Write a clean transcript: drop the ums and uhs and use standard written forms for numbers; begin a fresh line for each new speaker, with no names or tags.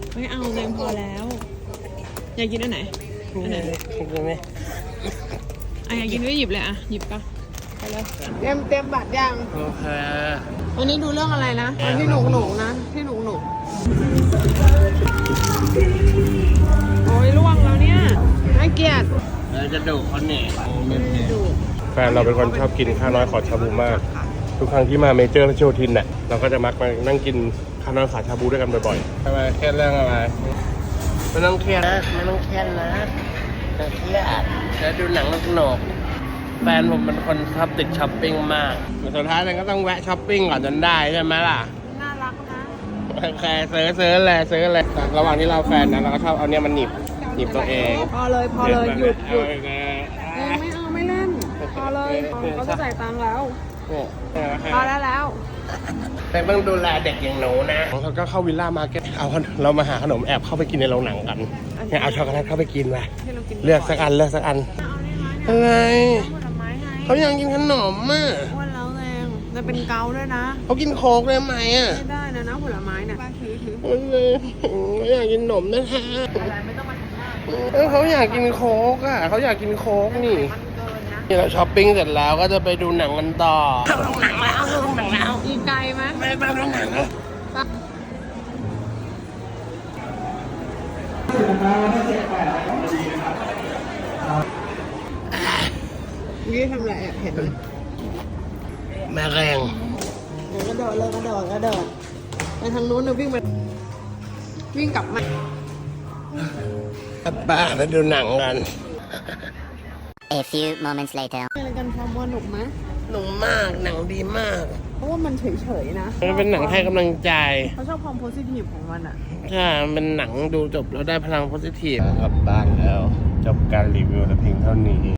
ไม่เอาเองพอแล้ว อยากกินอันไหนอันไหน
กินไหม
อยากกินก็หยิบเลยหยิบปะไปเลยเตรียมบัตรยัง
โอเค
วันนี้ดูเรื่องอะไรนะวันที่หนูนะที่หนูโอ้ยล่วงแล้วเนี่ยน่าเกลียด
เราจะดุเขาเนี่ยไม่
ดู
แฟนเราเป็นคนชอบกินข้าวน้อยขอชาบูมาก ทุกครั้งที่มาเมเจอร์และโชทินเนี่ยเราก็จะมักมานั่งกินข้าวน้อยขอชาบูด้วยกันบ่อยๆทำไมเครียดเรื่องอะไรไม่ต้องเครียดนะไม่ต้องเครียดนะจะเครียดจะดูหนังสนุกแฟนผมเป็นคนชอบติดช้อปปิ้งมากสุดท้ายเราก็ต้องแวะช้อปปิ้งก่อนจนได้ใช่ไหมล่ะ
น่ารักนะ
โอเคซื้อเลยแต่ระหว่างที่เราแฟนนะเราก็ชอบเอาเนี่ยมันหนีบตัวเอง
พอเลยหยุด
เอาเลยนะ
ไม่เอาไม่เล่นพอเลยเขาจะจ่ายตังค์แล้ว
เนี่ย
พอแล้ว
แต่ต้องดูแลเด็กอย่างหนูนะเขาก็เข้าวิลล่ามาร์เก็ตเรามาหาขนมแอบเข้าไปกินในโรงหนังกันเนี่ยเอาช็อกโกแลตเข้าไปกินไป
ที่เรากิน
เลือกสักอันอะไร
ผลไม้ไง
เขาอยากกินขนมอ่ะ
อ้วนแล้วแรงจะเป็นเกาด้วยนะ
เขากินโค้กได้ไหมอ่ะ
ไม่ได้นะผลไม้เนี่ยถือ
เขาอยากกินขนมนะฮะ
อะไรไม่ต้องมาทำหน้า
เขาอยากกินโค้กอ่ะเขาอยากกินโค้กนี่
มันเกินนะ
นี่เราช้อปปิ้งเสร็จแล้วก็จะไปดูหนังกันต่อ
อีไกลไหม
ไม่ไปดูหนังนะ
นี่ทำอะไรเห็นไหม
แม่แรง
กระโดดไปทางนู้นนะวิ่งกลับมา
บ้าไปดูหนังกัน
A few moments later.
อะไรกันความว่าหนุกไหม
หนุกมากหนังดีมาก
เพราะว่ามันเฉยๆนะ
มันเป็นหนังให้กำลังใจ
เขาชอบความโพสิทีฟของมันอ่ะ
ถ้าเป็นหนังดูจบแล้วได้พลังโพสิทีฟกลับบ้านแล้ว จบการรีวิวแต่เพียงเท่านี้